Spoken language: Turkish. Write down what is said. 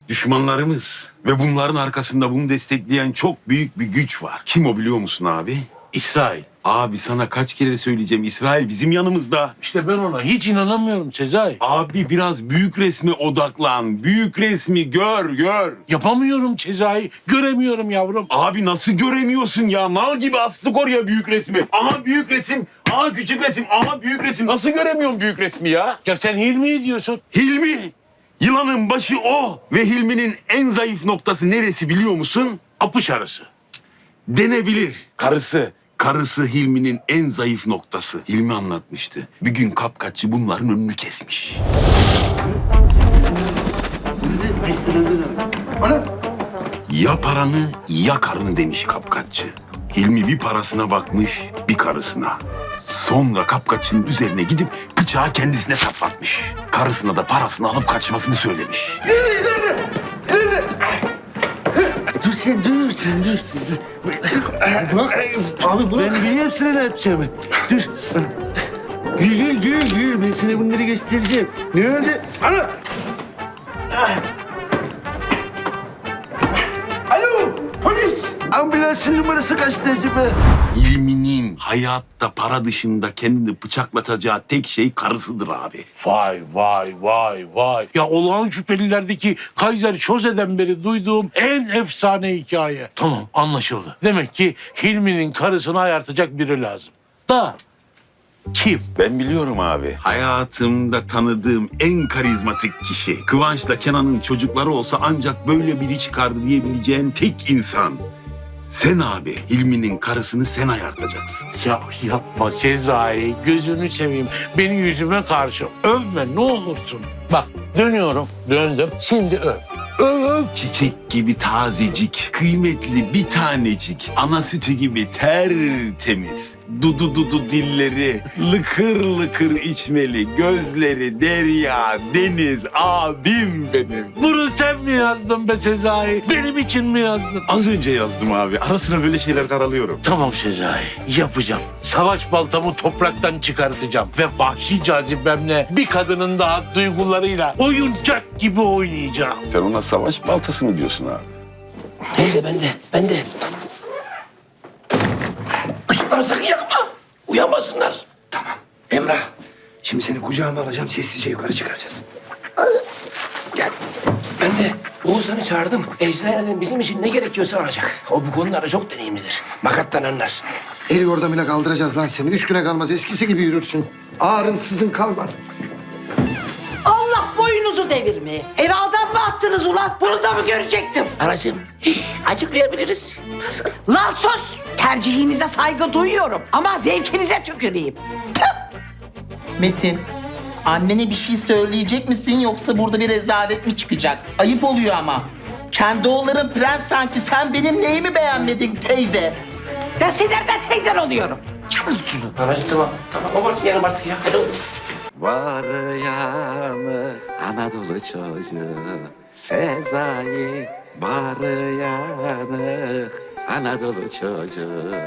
düşmanlarımız ve bunların arkasında bunu destekleyen çok büyük bir güç var. Kim o biliyor musun abi? İsrail. Abi sana kaç kere söyleyeceğim, İsrail bizim yanımızda. İşte ben ona hiç inanamıyorum Sezai. Abi biraz büyük resme odaklan. Büyük resmi gör. Yapamıyorum Sezai. Göremiyorum yavrum. Abi nasıl göremiyorsun ya? Mal gibi astık oraya büyük resmi. Aha büyük resim, aha küçük resim, aha büyük resim. Nasıl göremiyorum büyük resmi ya? Ya sen Hilmi'yi diyorsun. Hilmi. Yılanın başı o. Ve Hilmi'nin en zayıf noktası neresi biliyor musun? Apış arası. Denebilir. Karısı. Karısı Hilmi'nin en zayıf noktası. Hilmi anlatmıştı. Bir gün kapkaççı bunların önünü kesmiş. Ya paranı ya karını demiş kapkaççı. Hilmi bir parasına bakmış, bir karısına. Sonra kapkaççının üzerine gidip bıçağı kendisine saplatmış. Karısına da parasını alıp kaçmasını söylemiş. Dur sen dur. Bak abi bırak. Ben biliyorum sana ne yapacağımı. Dur. Gül. Ben sana bunları göstereceğim. Ne oldu? Ana! Alo polis. Ambulansın numarası kaçtı acaba? Hilmi'nin hayatta para dışında kendini bıçaklatacağı tek şey karısıdır abi. Vay. Ya olağan şüphelilerdeki Kaiser Chose'den beri duyduğum en efsane hikaye. Tamam anlaşıldı. Demek ki Hilmi'nin karısını ayartacak biri lazım. Da kim? Ben biliyorum abi. Hayatımda tanıdığım en karizmatik kişi. Kıvanç'la Kenan'ın çocukları olsa ancak böyle biri çıkardı diyebileceğin tek insan. Sen abi. Hilmi'nin karısını sen ayartacaksın. Ya yapma Sezai. Gözünü seveyim. Beni yüzüme karşı övme ne olursun. Bak dönüyorum. Döndüm. Şimdi öv. Öv. Çiçek gibi tazecik, kıymetli bir tanecik, ana sütü gibi tertemiz, dudu dilleri, lıkır lıkır içmeli, gözleri derya, deniz, abim benim. Bunu sen mi yazdın be Sezai? Benim için mi yazdın? Az önce yazdım abi, ara sıra böyle şeyler karalıyorum. Tamam Sezai, yapacağım. Savaş baltamı topraktan çıkartacağım ve vahşi cazibemle bir kadının daha duygularıyla oyuncak gibi oynayacağım. Sen ona savaş baltası mı diyorsun abi? Ben de. Işıkları sakın yakma. Uyanmasınlar. Tamam. Emrah. Şimdi seni kucağıma alacağım. Sessizce yukarı çıkaracağız. Gel. Ben de Oğuzhan'ı çağırdım. Eczaneden bizim için ne gerekiyorsa alacak. O bu konularda çok deneyimlidir. Makattan anlar. El yordamıyla kaldıracağız lan seni. 3 güne kalmaz. Eskisi gibi yürürsün. Ağrın sızın kalmaz. Allah boynunuzu devirmeye. Eve adam mı attınız ulan? Bunu da mı görecektim? Anacığım, açıklayabiliriz. Nasıl? Lan sus! Tercihinize saygı duyuyorum ama zevkinize tüküreyim. Metin, annene bir şey söyleyecek misin yoksa burada bir rezalet mi çıkacak? Ayıp oluyor ama. Kendi oğulların prens sanki sen benim neyimi beğenmedin teyze? Ben senin nereden teyzen oluyorum? Anacığım tamam. Abartmayalım artık ya. Hadi oğlum. Var yanı Anadolu çocuğu Sezai var yanı Anadolu çocuğu